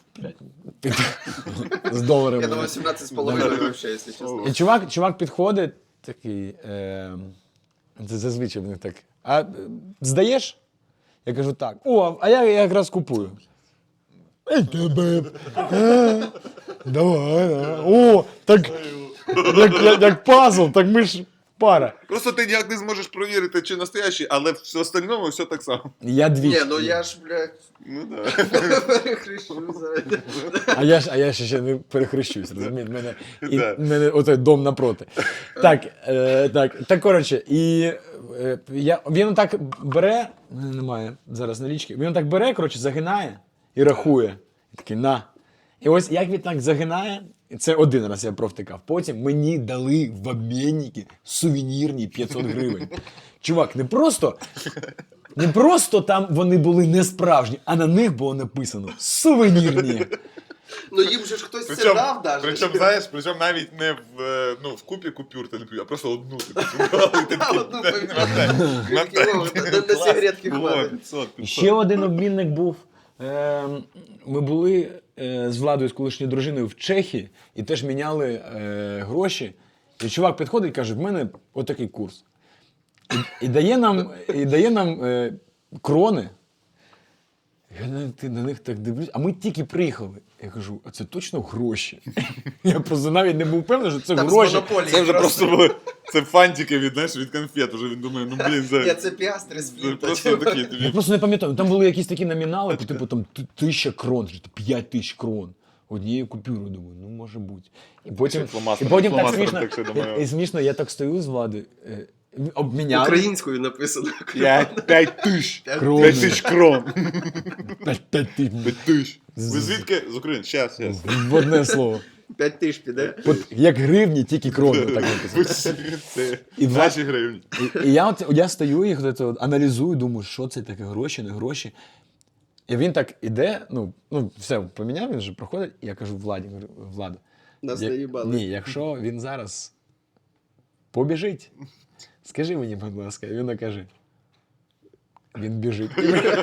[SPEAKER 2] З доларами.
[SPEAKER 3] Я думаю, сімнадцять з половиною вообще, якщо чесно.
[SPEAKER 2] І чувак, чувак підходить, такий, е, це зазвичай в них так. А е, здаєш? Я кажу, так. О, а я якраз купую. Ей, тебе. Е, Давай, давай. О, так як, як, як пазл, так ми ж пара.
[SPEAKER 4] Просто ти ніяк не зможеш провірити, чи настоящий, але в остальному все так само.
[SPEAKER 2] Я двічі.
[SPEAKER 3] Ні, ну я ж, блядь,
[SPEAKER 4] Ну да.
[SPEAKER 3] перехрещу за...
[SPEAKER 2] А я ж, а я ж ще не перехрещусь, розумієте? В мене, і,
[SPEAKER 4] Да.
[SPEAKER 2] в мене отой дом напроти. Так, е, так, так, коротше, і е, я, він так бере, в мене немає зараз налічки, він так бере, коротше, загинає і рахує. І такий, на. І ось як він так загинає, і це один раз я провтикав. Потім мені дали в обмінники сувенірні п'ятсот гривень. Чувак, не просто, не просто там вони були не справжні, а на них було написано сувенірні.
[SPEAKER 3] Ну їм же ж хтось це
[SPEAKER 4] Причому,
[SPEAKER 3] дав даже.
[SPEAKER 4] причому, знаєш, причому навіть не в, е, ну, в купі купюр, ти не купив, а просто одну ти купував. І ти такий,
[SPEAKER 3] Одну
[SPEAKER 4] «Дай,
[SPEAKER 3] поміняв.
[SPEAKER 4] мотай, мотай».
[SPEAKER 3] Такий, «О, на- на
[SPEAKER 4] Клас.
[SPEAKER 3] сигаретки
[SPEAKER 4] Во,
[SPEAKER 3] хватить».
[SPEAKER 4] п'ятсот,
[SPEAKER 2] І
[SPEAKER 4] п'ятсот.
[SPEAKER 2] ще один обмінник був. Е, Ми були е, з Владою, з колишньою дружиною в Чехії і теж міняли е, гроші. І чувак підходить і каже, в мене отакий курс. І, і дає нам, і дає нам е, крони. Я на, ти на них так дивлюсь, а ми тільки приїхали. Я кажу, а це точно гроші? Я просто навіть не був впевнений, що це
[SPEAKER 3] Там з
[SPEAKER 2] гроші.
[SPEAKER 3] монополії
[SPEAKER 4] Це вже просто були, це фантики від, знаєш, від конфет, вже він думає, ну блін,
[SPEAKER 3] Ні,
[SPEAKER 4] це,
[SPEAKER 3] це піастри з
[SPEAKER 4] це
[SPEAKER 3] флінта.
[SPEAKER 4] просто такі
[SPEAKER 2] Я
[SPEAKER 4] тобі.
[SPEAKER 2] просто не пам'ятаю. Там були якісь такі номінали, по типу там т- тисяча крон, чи п'ять тисяч крон. Однією купюрою, думаю, ну може бути. І потім,
[SPEAKER 4] Ще фломастером-
[SPEAKER 2] і потім так
[SPEAKER 4] фломастером
[SPEAKER 2] смішно,
[SPEAKER 4] так ще думаю.
[SPEAKER 2] і, і смішно, я так стою з Влади, е, обміняли.
[SPEAKER 3] Українською написано.
[SPEAKER 4] П'ять, п'ять тисяч.
[SPEAKER 2] Крони.
[SPEAKER 4] П'ять тисяч крон.
[SPEAKER 2] П'ять- п'ять тисяч.
[SPEAKER 4] П'ять тисяч. Ви звідки? З України. Щас, щас.
[SPEAKER 2] В одне слово.
[SPEAKER 3] П'ять тисяч піде.
[SPEAKER 2] От як гривні, тільки крони. Так написано.
[SPEAKER 4] Це
[SPEAKER 2] І два-
[SPEAKER 4] наші гривні.
[SPEAKER 2] І, і я, от, я стою їх от, от, аналізую, думаю, що це таке, гроші, не гроші. І він так іде, ну, ну все, поміняв, він вже проходить, і я кажу Владі, говорю, Влада,
[SPEAKER 3] Нас
[SPEAKER 2] я-
[SPEAKER 3] наїбали.
[SPEAKER 2] ні, якщо він зараз побіжить, скажи мені, будь ласка, і він каже, він біжить.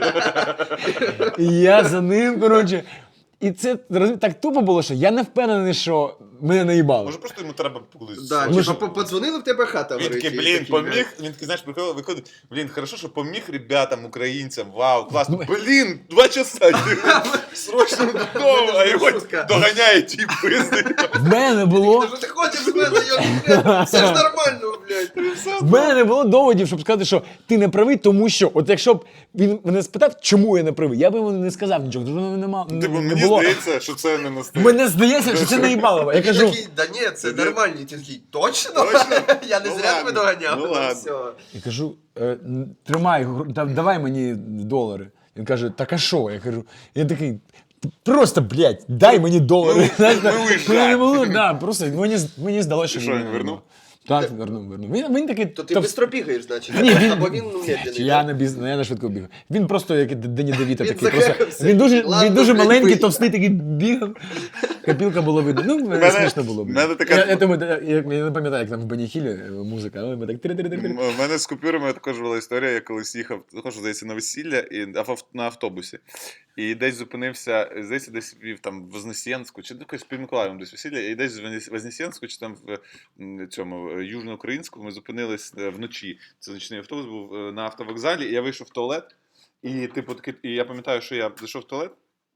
[SPEAKER 2] І я за ним, коротше, і це розумієте, так тупо було, що я не впевнений, що мене наїбали.
[SPEAKER 4] Може просто йому треба колись.
[SPEAKER 3] Да,
[SPEAKER 2] Ми
[SPEAKER 3] типа,
[SPEAKER 2] ж-
[SPEAKER 3] по- подзвонили в тебе хата
[SPEAKER 4] Він
[SPEAKER 3] горить.
[SPEAKER 4] такий,
[SPEAKER 3] і
[SPEAKER 4] блін,
[SPEAKER 3] такий,
[SPEAKER 4] поміг. Він такий, знаєш, приходить, виходить, блін, хорошо, що поміг ребятам, українцям, вау, класно. Блін, два часа, срочно додому, а його
[SPEAKER 3] Шутка.
[SPEAKER 4] доганяє ті пизди.
[SPEAKER 2] В мене не було,
[SPEAKER 3] Та що ти хочеш з мене, йо, все ж нормально, блядь.
[SPEAKER 2] в мене не було доводів, щоб сказати, що ти не правий, тому що, от якщо б він мене спитав, чому я не правий, я б йому не сказав нічого, тому що не, мав, не,
[SPEAKER 4] Типу,
[SPEAKER 2] не
[SPEAKER 4] мені
[SPEAKER 2] було.
[SPEAKER 4] здається, що це не настає.
[SPEAKER 2] Мене здається, що це наїбалово. Я
[SPEAKER 3] Він
[SPEAKER 2] кажу,
[SPEAKER 3] такий, да ні, це
[SPEAKER 4] Тобі-
[SPEAKER 3] нормально. І ти такий, точно?
[SPEAKER 4] Точно?
[SPEAKER 3] Я не
[SPEAKER 4] Ну
[SPEAKER 3] зря
[SPEAKER 4] ладно,
[SPEAKER 3] тебе доганяв.
[SPEAKER 4] ну
[SPEAKER 3] Ну,
[SPEAKER 4] ладно.
[SPEAKER 3] все.
[SPEAKER 2] я кажу, е, н- тримай, гру- да- давай мені долари. Він каже, так а що? Я кажу, я такий, просто, блядь, дай мені долари.
[SPEAKER 4] Ну,
[SPEAKER 2] Знаєш,
[SPEAKER 4] ну,
[SPEAKER 2] так,
[SPEAKER 4] виїжджай.
[SPEAKER 2] ну, не було, да, просто мені, з- мені здалося, що
[SPEAKER 4] І що, він
[SPEAKER 2] не
[SPEAKER 4] вернув?
[SPEAKER 2] Так, вернув, вернув. Він, він такий...
[SPEAKER 3] То ти
[SPEAKER 2] товс-
[SPEAKER 3] швидко бігаєш, значить.
[SPEAKER 2] Ні, він-
[SPEAKER 3] Або він ну, медленний.
[SPEAKER 2] Я
[SPEAKER 3] да?
[SPEAKER 2] не біз... я не швидко бігав. Він просто як Дені Девіта
[SPEAKER 3] Він
[SPEAKER 2] такий. Просто...
[SPEAKER 3] захекався.
[SPEAKER 2] Він дуже,
[SPEAKER 3] Ладно,
[SPEAKER 2] він дуже
[SPEAKER 3] блядь,
[SPEAKER 2] маленький,
[SPEAKER 3] бий.
[SPEAKER 2] товстий такий бігав. Копілка було видно. Ну,
[SPEAKER 4] Мене-
[SPEAKER 2] смішно було. блін.
[SPEAKER 4] мене така-
[SPEAKER 2] Я, я, думаю, я, я не пам'ятаю, як там в Беніхілі е, музика, але ми так тири-тири-тири.
[SPEAKER 4] У мене з купюрами також була історія, я колись їхав, також, здається, на весілля і ав- на автобусі. І десь зупинився, здається, десь вів там в Вознесенську, чи якось під Миколаєвом десь весілля, і десь в Вознес- Вознесенську, чи там в м, цьому е, Южноукраїнську ми зупинились е, вночі. Це нічний автобус був е, на автовокзалі, і я вийшов в туалет, і типу такий, і я пам'ятаю, що я зайшов в туалет,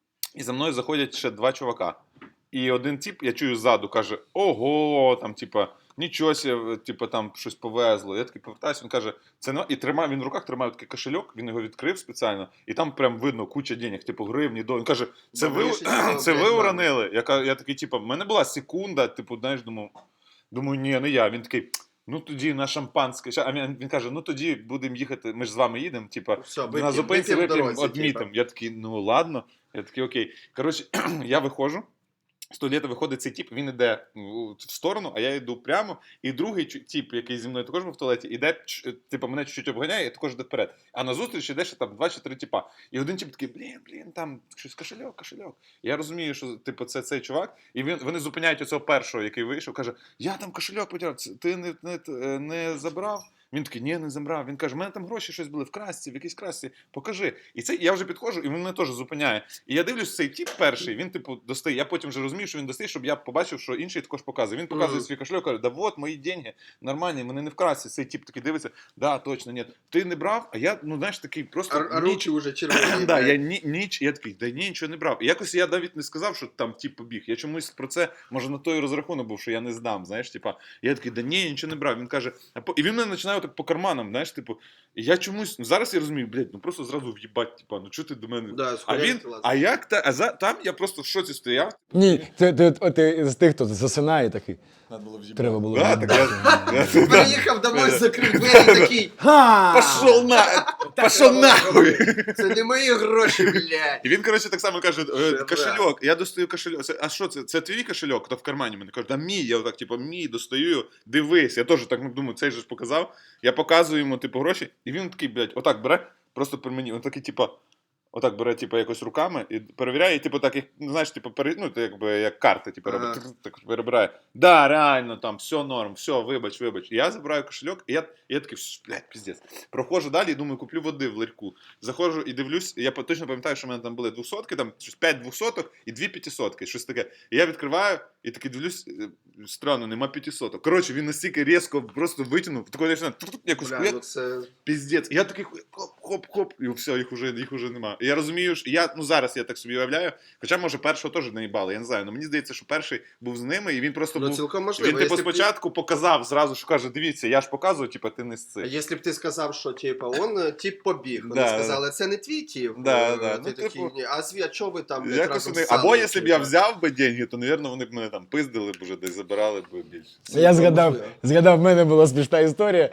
[SPEAKER 4] і за мною заходять ще два чувака. І один тип, я чую ззаду, каже: ого, там, типа, нічого себе, типа, там щось повезло. Я такий повертаюся, він каже, це не... І тримає, він в руках тримає такий кошельок, він його відкрив спеціально, і там прям видно куча денег, типу гривні, до. Він каже, це ви,
[SPEAKER 3] Добріше, ніж
[SPEAKER 4] це ви
[SPEAKER 3] блядь,
[SPEAKER 4] уронили? Я, ка- я такий, типу, в мене була секунда, типу, знаєш, думав, думаю, ні, не я. Він такий, ну тоді на шампанське. Ща- А він, він каже, ну тоді будемо їхати, ми ж з вами їдемо, типу,
[SPEAKER 3] Все,
[SPEAKER 4] на
[SPEAKER 3] вип'ємо,
[SPEAKER 4] зупинці
[SPEAKER 3] вип'ємо в
[SPEAKER 4] вип'ємо,
[SPEAKER 3] дорозі,
[SPEAKER 4] одмітимо. Я такий, ну ладно. Я такий, окей. Коротше, я виходжу. З туалету виходить цей тіп, він йде в сторону, а я йду прямо. І другий чу- тіп, який зі мною також був в туалеті, іде, ч- типу, мене чуть-чуть обганяє і також йде вперед. А назустріч іде ще там два чи три тіпа. І один тіп такий, блін, блін, там щось кошельок, кошельок. Я розумію, що типу, це цей чувак. І він, вони зупиняють оцього першого, який вийшов, каже, я там кошельок потеряв, це ти не, не, не забрав? Він такий, ні, не забрав. Він каже, в мене там гроші щось були в красці, в якійсь красці, покажи. І це я вже підходжу, і він мене теж зупиняє. І я дивлюсь, цей тіп перший, він типу достає. Я потім вже розумію, що він достає, щоб я побачив, що інший також показує. Він показує
[SPEAKER 3] Мгм.
[SPEAKER 4] свій кошельок, каже, да вот мої деньги, нормальні, вони не в красці. Цей тіп такий дивиться, да, точно, ні. Ти не брав, а я, ну знаєш, такий просто
[SPEAKER 3] А, а
[SPEAKER 4] ніч-
[SPEAKER 3] руки вже червоні.
[SPEAKER 4] Да,
[SPEAKER 3] блядь.
[SPEAKER 4] я ні, ніч, я такий, да ні, нічого не брав. І якось я навіть не сказав, що там тіп побіг. Я чомусь про це, може, на той розрахунок був, що я не здам, знаєш, типа, я такий, да ні, нічого не брав. Він каже, а по... і він мене починає так по карманам, знаєш, типу, і я чомусь, ну зараз я розумію, блядь, ну просто зразу в'їбать, типа, ну чого ти до мене?
[SPEAKER 3] Да,
[SPEAKER 4] А
[SPEAKER 3] схуяли
[SPEAKER 4] він,
[SPEAKER 3] ти лазиш.
[SPEAKER 4] а як та, а за, там я просто в шоці стояв.
[SPEAKER 2] Ні, ти, ти, ти, ти з тих, хто засинає такий.
[SPEAKER 5] Надо було в'їбати.
[SPEAKER 2] Треба було.
[SPEAKER 4] Да, так я, я,
[SPEAKER 3] Приїхав домой, закрив двері такий.
[SPEAKER 2] Ха!
[SPEAKER 4] пошов на, пошов нахуй.
[SPEAKER 3] Це не мої гроші, блядь.
[SPEAKER 4] І він, коротше, так само каже, е,
[SPEAKER 3] Шедевр.
[SPEAKER 4] кошельок, я достаю кошельок. Це, а що це? Це твій кошельок? То в кармані мене каже, да мій, я отак, типу, мій, достаю, дивись. Я теж так ну, думаю, цей же ж показав. Я показую йому, типу, гроші, і він такий, блядь, отак бере, просто при мені, він такий, типу, отак бере, типу, якось руками і перевіряє, і, типу, так, як, ну, знаєш, типу, пере, ну, якби, як карти, типу,
[SPEAKER 3] Ага.
[SPEAKER 4] робить, тр- так перебирає. Да, реально, там, все норм, все, вибач, вибач. І я забираю кошельок, і я, і я такий, «Ш, блядь, піздець. Проходжу далі і думаю, куплю води в ларьку. Заходжу і дивлюсь, і я по- точно пам'ятаю, що в мене там були двохсотки, там щось п'ять двохсоток і дві п'ятисотки, щось таке. І я відкриваю, і такий дивлюсь, е, странно, нема п'ятисоток. Коротше, він настільки різко просто витягнув, такий починає тру-тру, якось
[SPEAKER 3] Бля,
[SPEAKER 4] хуяк,
[SPEAKER 3] ну це...
[SPEAKER 4] піздець. І я такий хоп-хоп-хоп, і все, їх уже, їх уже нема. І я розумію, що я, ну зараз я так собі уявляю, хоча, може, першого теж наїбали, я не знаю, але мені здається, що перший був з ними, і він просто
[SPEAKER 3] Ну,
[SPEAKER 4] був.
[SPEAKER 3] цілком можливо.
[SPEAKER 4] Він, типу,
[SPEAKER 3] Якщо б ти-
[SPEAKER 4] спочатку показав зразу, що каже, дивіться, я ж показую, типу, ти не з
[SPEAKER 3] А
[SPEAKER 4] цих.
[SPEAKER 3] якщо б ти сказав, що типа он е, тип побіг, вони
[SPEAKER 4] Да,
[SPEAKER 3] сказали, це не твій тип.
[SPEAKER 4] Да,
[SPEAKER 3] е,
[SPEAKER 4] да.
[SPEAKER 3] Ти
[SPEAKER 4] Ну,
[SPEAKER 3] такий,
[SPEAKER 4] типу,
[SPEAKER 3] ні, а зві, а чого ви там блядь,
[SPEAKER 4] Якось
[SPEAKER 3] разом
[SPEAKER 4] вони...
[SPEAKER 3] ссали,
[SPEAKER 4] Або якщо б я
[SPEAKER 3] типа?
[SPEAKER 4] взяв би деньги, то, мабуть, вони б мене там пиздили б уже, десь забирали б більше.
[SPEAKER 2] Я згадав,
[SPEAKER 3] Можливо.
[SPEAKER 2] згадав, в мене була смішна історія.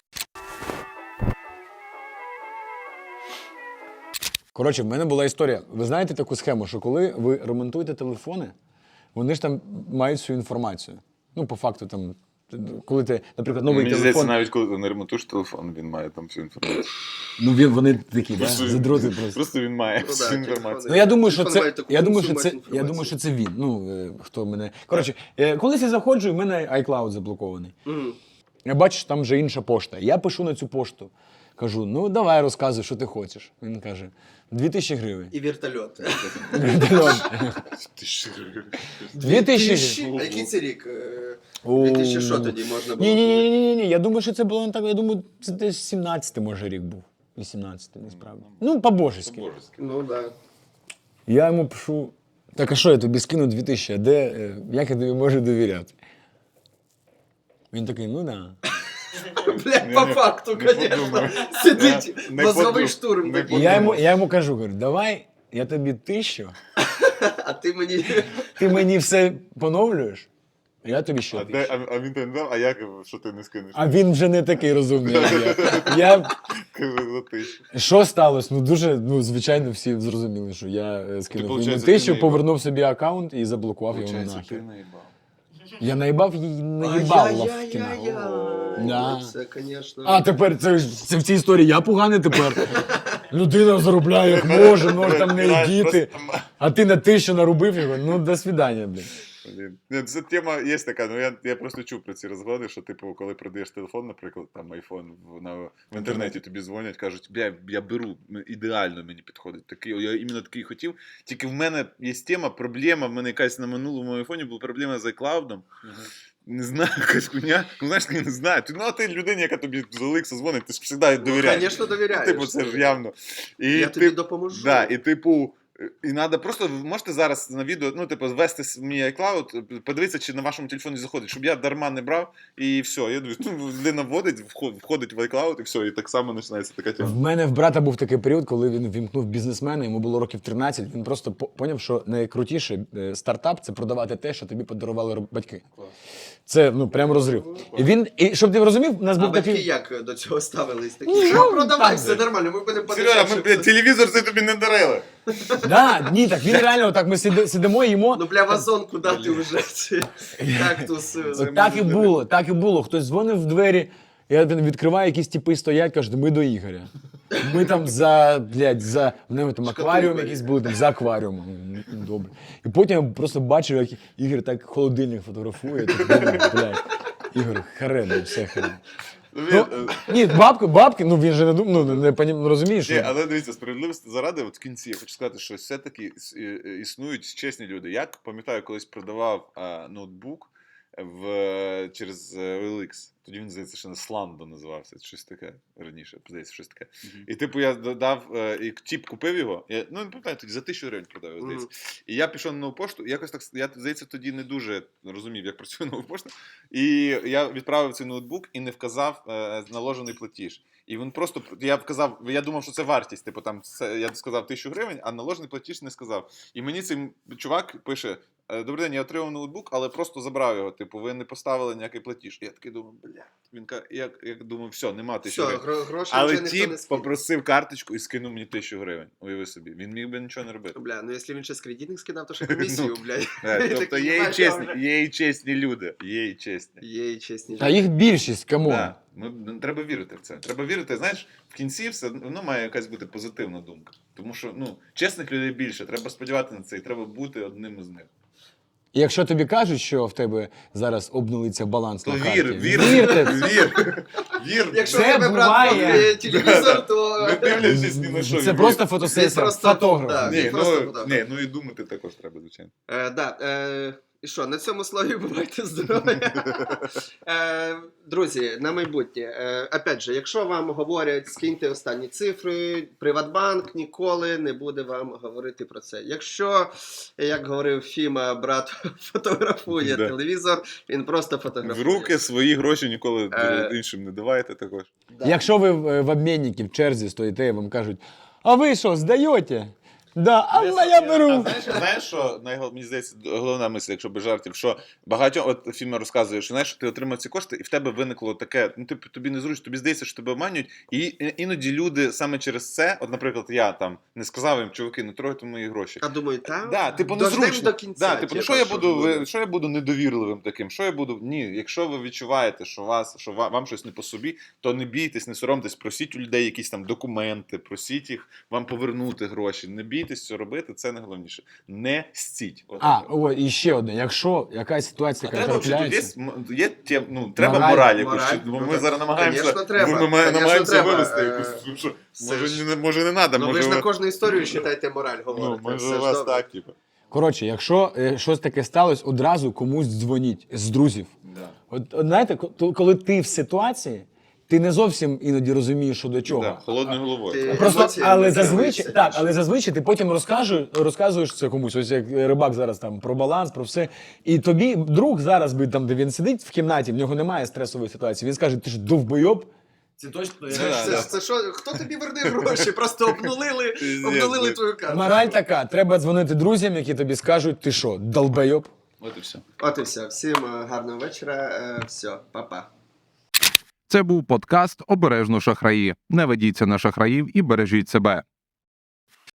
[SPEAKER 2] Коротше, в мене була історія. Ви знаєте таку схему, що коли ви ремонтуєте телефони, вони ж там мають всю інформацію. Ну, по факту, там, коли ти, наприклад, новий
[SPEAKER 4] Мені здається,
[SPEAKER 2] телефон.
[SPEAKER 4] навіть коли ти не ремонтуєш телефон, він має там всю інформацію.
[SPEAKER 2] Ну, він, вони такі, да?
[SPEAKER 4] Просто-
[SPEAKER 2] задроти просто.
[SPEAKER 4] Просто він має
[SPEAKER 3] Ну, да,
[SPEAKER 4] всю
[SPEAKER 3] телефони.
[SPEAKER 4] інформацію.
[SPEAKER 2] Ну, я думаю, що
[SPEAKER 3] Телефон
[SPEAKER 2] це,
[SPEAKER 3] має таку
[SPEAKER 2] я думаю, що
[SPEAKER 3] функцію
[SPEAKER 2] це,
[SPEAKER 3] мати
[SPEAKER 2] я думаю, що це він. Ну, е, хто мене. Коротше, е, колись я заходжу, і в мене iCloud заблокований.
[SPEAKER 3] Мгм.
[SPEAKER 2] Я бачу, що там вже інша пошта. Я пишу на цю пошту. Кажу, ну давай розказуй, що ти хочеш. Він каже, дві тисячі гривень.
[SPEAKER 3] І вертольот.
[SPEAKER 4] Ти що?
[SPEAKER 2] Дві тисячі
[SPEAKER 3] А який це рік? Е,
[SPEAKER 2] О.
[SPEAKER 3] дві тисячі що тоді можна було?
[SPEAKER 2] Ні, ні, ні, ні, ні. Я думаю, що це було не так. Я думаю, це десь сімнадцятий, може, рік був. вісімнадцятий, насправді. Ну, по-божески.
[SPEAKER 4] Божеськи.
[SPEAKER 3] Ну, да.
[SPEAKER 2] Я йому пишу, так а що я тобі скину дві тисячі, а де, е, як я тобі можу довіряти? Він такий, ну да.
[SPEAKER 3] Блядь, по
[SPEAKER 4] не-
[SPEAKER 3] факту,
[SPEAKER 4] не
[SPEAKER 3] конечно.
[SPEAKER 4] подумав.
[SPEAKER 3] Сидить,
[SPEAKER 4] Я не
[SPEAKER 3] мозговий
[SPEAKER 4] подумав.
[SPEAKER 3] штурм
[SPEAKER 4] Не
[SPEAKER 3] такий.
[SPEAKER 2] І я йому, я йому кажу, говорю, давай я тобі тисячу,
[SPEAKER 3] А ти мені...
[SPEAKER 2] ти мені все поновлюєш, а я тобі ще
[SPEAKER 4] А,
[SPEAKER 2] тисячу.
[SPEAKER 4] де, а, а він то не дав, а як, що ти не скинеш?
[SPEAKER 2] А він вже не такий розумний, як я. Я
[SPEAKER 4] Каже, за тисячу.
[SPEAKER 2] Що сталося? Ну дуже, ну звичайно, всі зрозуміли, що я е, скинув йому
[SPEAKER 4] получається, ти
[SPEAKER 2] тисячу,
[SPEAKER 4] наїбав.
[SPEAKER 2] повернув собі аккаунт і заблокував його
[SPEAKER 4] Получається, ти
[SPEAKER 2] нахер.
[SPEAKER 4] наїбав.
[SPEAKER 2] Я наїбав її, наїбав Лавкіна.
[SPEAKER 3] Ай-яй-яй-яй.
[SPEAKER 2] Да.
[SPEAKER 3] Це, звісно.
[SPEAKER 2] А тепер це, ж- це в цій історії я поганий тепер. Людина заробляє як може, може там не діти. А ти на те, що нарубив його, ну до свидання, блін.
[SPEAKER 4] Блін. Ні, це тема є така, ну я, я просто чув про ці розгони, що типу, коли продаєш телефон, наприклад, там айфон в, на, в інтернеті тобі дзвонять, кажуть, бля, я беру, м- ідеально мені підходить. Такий, я іменно такий хотів. Тільки в мене є тема, проблема, в мене якась на минулому айфоні була проблема з iCloud. Не знаю, якась хуйня. Ну, знаєш, я не знаю. Ти, ну, а ти людині, яка тобі з Олекса дзвонить, ти ж завжди довіряєш.
[SPEAKER 3] Звісно, довіряєш.
[SPEAKER 4] Ну, типу, це ж явно. І,
[SPEAKER 3] Я
[SPEAKER 4] ти-
[SPEAKER 3] тобі допоможу.
[SPEAKER 4] Да, і типу, і треба просто, ви можете зараз на відео, ну, типу, ввести с- мій iCloud, подивитися, чи на вашому телефоні заходить, щоб я дарма не брав, і все. Я думаю, ну, людина вводить, вход- входить в iCloud, і все, і так само починається така тема.
[SPEAKER 2] В мене в брата був такий період, коли він вімкнув бізнесмена, йому було років тринадцять, він просто по- поняв, що найкрутіше е, стартап – це продавати те, що тобі подарували роб- батьки. Це, ну, прям розрив. І він, і щоб ти розумів, у нас
[SPEAKER 3] А
[SPEAKER 2] був
[SPEAKER 3] батьки
[SPEAKER 2] такий...
[SPEAKER 3] як до цього ставились? Такі,
[SPEAKER 2] Ну,
[SPEAKER 3] що продавай,
[SPEAKER 2] так,
[SPEAKER 3] все нормально, ми будемо
[SPEAKER 4] Сережа,
[SPEAKER 3] подешевше.
[SPEAKER 4] ми, блядь, телевізор це тобі не дарили.
[SPEAKER 2] Да, ні, так він реально, так ми сиди- сидимо, їмо.
[SPEAKER 3] Ну, бля, вазонку дати вже ці кактус.
[SPEAKER 2] От так і було, так і було. Хтось дзвонив в двері, я відкриваю, якісь типи стоять, кажуть, ми до Ігоря. Ми там за, блядь, за, в нього там акваріум
[SPEAKER 3] Шкатулка
[SPEAKER 2] якийсь
[SPEAKER 3] є.
[SPEAKER 2] був, там за акваріумом. Ну, добре. І потім я просто бачив, як Ігор так холодильник фотографує, так думаю, блядь, Ігор, харе, все харе.
[SPEAKER 4] Ну,
[SPEAKER 2] Ну,
[SPEAKER 4] він, е,
[SPEAKER 2] ні, бабки, бабки, ну він же не думав, ну не, понім- ну, розумієш,
[SPEAKER 4] Ні,
[SPEAKER 2] що...
[SPEAKER 4] але дивіться, справедливості заради, от в кінці я хочу сказати, що все-таки іс- і- і- існують чесні люди. Я пам'ятаю, колись продавав а, ноутбук в, через е, о ел ікс. Тоді він, здається, ще на Сландо називався, щось таке раніше, здається, щось таке. І типу я додав, е, і тіп купив його, я, ну не пам'ятаю, тоді за тисячу гривень продав, його, здається. І я пішов на нову пошту, і якось так, я, здається, тоді не дуже розумів, як працює нова пошта. І я відправив цей ноутбук і не вказав е, наложений платіж. І він просто, я вказав, я думав, що це вартість, типу там, це, я сказав тисячу гривень, а наложений платіж не сказав. І мені цей чувак пише, «Е, добрий день, я отримав ноутбук, але просто забрав його, типу, ви не поставили ніякий платіж. І я такий думаю, бля, він каже, я, я думаю, все, нема тисячі
[SPEAKER 3] Все,
[SPEAKER 4] гривень.
[SPEAKER 3] гро- гроші
[SPEAKER 4] Але
[SPEAKER 3] вже ніхто не
[SPEAKER 4] тіп
[SPEAKER 3] скине.
[SPEAKER 4] попросив карточку і скинув мені тисячу гривень, уяви собі. Він міг би нічого не робити.
[SPEAKER 3] Бля, ну якщо він ще з кредитних скидав, то ще комісію, блядь.
[SPEAKER 4] Е, Тобто
[SPEAKER 3] Такий,
[SPEAKER 4] є і
[SPEAKER 3] знаєш,
[SPEAKER 4] чесні,
[SPEAKER 3] я вже-
[SPEAKER 4] є і чесні люди, є і чесні.
[SPEAKER 3] Є і чесні.
[SPEAKER 2] Та їх більшість, камон.
[SPEAKER 4] Да. Ми, ну, треба вірити в це. Треба вірити, знаєш, в кінці все одно має якась бути позитивна думка. Тому що, ну, чесних людей більше, треба сподіватися на це і треба бути одним із них.
[SPEAKER 2] І якщо тобі кажуть, що в тебе зараз обнулиться баланс
[SPEAKER 4] То
[SPEAKER 2] на
[SPEAKER 4] вір,
[SPEAKER 2] карті,
[SPEAKER 4] вір,
[SPEAKER 2] вірте,
[SPEAKER 4] вір, вір.
[SPEAKER 3] Якщо
[SPEAKER 2] Це
[SPEAKER 3] в тебе брат
[SPEAKER 2] буває.
[SPEAKER 3] купує телевізор, то...
[SPEAKER 4] Не дивлячись ні на що.
[SPEAKER 2] це
[SPEAKER 4] вір.
[SPEAKER 2] просто
[SPEAKER 3] Він
[SPEAKER 2] фотосесія,
[SPEAKER 3] просто,
[SPEAKER 2] фотограф.
[SPEAKER 3] да.
[SPEAKER 4] Ні,
[SPEAKER 3] Він просто
[SPEAKER 4] ну,
[SPEAKER 3] подав.
[SPEAKER 4] ні, ну і думати також треба, звичайно.
[SPEAKER 3] Е, да, е, і що, на цьому слові бувайте здорові. Е, друзі, на майбутнє. Е, опять же, якщо вам говорять, скиньте останні цифри, Приватбанк ніколи не буде вам говорити про це. Якщо, як говорив Фіма, брат фотографує
[SPEAKER 4] Да.
[SPEAKER 3] телевізор, він просто
[SPEAKER 4] В
[SPEAKER 3] фотографує.
[SPEAKER 4] руки свої гроші ніколи
[SPEAKER 3] Е.
[SPEAKER 4] іншим не давайте також.
[SPEAKER 3] Да.
[SPEAKER 2] Якщо ви в, в обмінникі в черзі стоїте і вам кажуть, а ви що, здаєте? Да, а
[SPEAKER 4] Я-
[SPEAKER 2] я
[SPEAKER 4] я-
[SPEAKER 2] беру.
[SPEAKER 4] А знаєш, знаєш, що найгол- мені здається, головна мисль, якщо без жартів, що багатьом, от Фіма розказує, що знаєш, ти отримав ці кошти, і в тебе виникло таке, ну типу, тобі незручно, тобі здається, що тебе обманюють, і і- іноді люди саме через це, от, наприклад, я там не сказав їм, чуваки, не трогайте мої гроші.
[SPEAKER 3] А думаю, там
[SPEAKER 4] Да, типу,
[SPEAKER 3] дождем
[SPEAKER 4] незручно.
[SPEAKER 3] до кінця.
[SPEAKER 4] Да, типу, ну що я буду, ви, що я буду недовірливим таким? Що я буду? Ні, якщо ви відчуваєте, що вас, що ва- вам щось не по собі, то не бійтесь, не соромтесь, просіть у людей якісь там документи, просіть їх вам повернути гроші. Не бійтесь це робити, це найголовніше. Не стіть. От
[SPEAKER 2] А,
[SPEAKER 4] так.
[SPEAKER 2] о, і ще одне. Якщо якась ситуація,
[SPEAKER 4] А
[SPEAKER 2] яка
[SPEAKER 4] треба взагалі,
[SPEAKER 2] трапляється,
[SPEAKER 4] є, є тем, ну, треба
[SPEAKER 2] Мораль,
[SPEAKER 4] мораль, якусь,
[SPEAKER 3] мораль.
[SPEAKER 4] бо
[SPEAKER 3] Ну,
[SPEAKER 4] ми
[SPEAKER 3] так,
[SPEAKER 4] зараз намагаємося,
[SPEAKER 3] конечно, треба,
[SPEAKER 4] ми, ми
[SPEAKER 3] конечно,
[SPEAKER 4] намагаємося
[SPEAKER 3] треба.
[SPEAKER 4] вивести
[SPEAKER 3] Е,
[SPEAKER 4] якусь, ну, що,
[SPEAKER 3] все
[SPEAKER 4] може,
[SPEAKER 3] ж-
[SPEAKER 4] не, може не треба,
[SPEAKER 3] Ну ви
[SPEAKER 4] може,
[SPEAKER 3] ж на
[SPEAKER 4] ви-
[SPEAKER 3] кожну історію, вважайте, мораль
[SPEAKER 4] ну,
[SPEAKER 3] говорите.
[SPEAKER 4] може
[SPEAKER 3] Все
[SPEAKER 4] у
[SPEAKER 3] ж
[SPEAKER 4] вас
[SPEAKER 3] добре.
[SPEAKER 4] так, типу.
[SPEAKER 2] коротше, якщо е, щось таке сталося, одразу комусь дзвоніть з друзів.
[SPEAKER 4] Да.
[SPEAKER 2] От, от знаєте, ко- коли ти в ситуації, ти не зовсім іноді розумієш, що до чого.
[SPEAKER 4] Да, холодною головою.
[SPEAKER 3] Ти-
[SPEAKER 2] Просто,
[SPEAKER 3] Емоції
[SPEAKER 2] але
[SPEAKER 3] не
[SPEAKER 2] зазвичай,
[SPEAKER 3] керуються.
[SPEAKER 2] так, але зазвичай ти потім розкажеш, розказуєш це комусь, ось як рибак зараз там про баланс, про все. І тобі друг зараз би там, де він сидить в кімнаті, в нього немає стресової ситуації. Він скаже, ти ж довбойоб. Це точно.
[SPEAKER 3] Це,
[SPEAKER 4] Да,
[SPEAKER 3] ж- це,
[SPEAKER 4] да.
[SPEAKER 3] ж- це що, хто тобі верне гроші? Просто обнулили,
[SPEAKER 4] Пиздец,
[SPEAKER 3] обнулили
[SPEAKER 4] блядь.
[SPEAKER 3] твою карту.
[SPEAKER 2] Мораль така, треба дзвонити друзям, які тобі скажуть, ти що, долбойоб.
[SPEAKER 4] От і все.
[SPEAKER 3] От і все. Всім е, гарного вечора. Е, Все, па-па.
[SPEAKER 1] Це був подкаст «Обережно шахраї». Не ведіться на шахраїв і бережіть себе.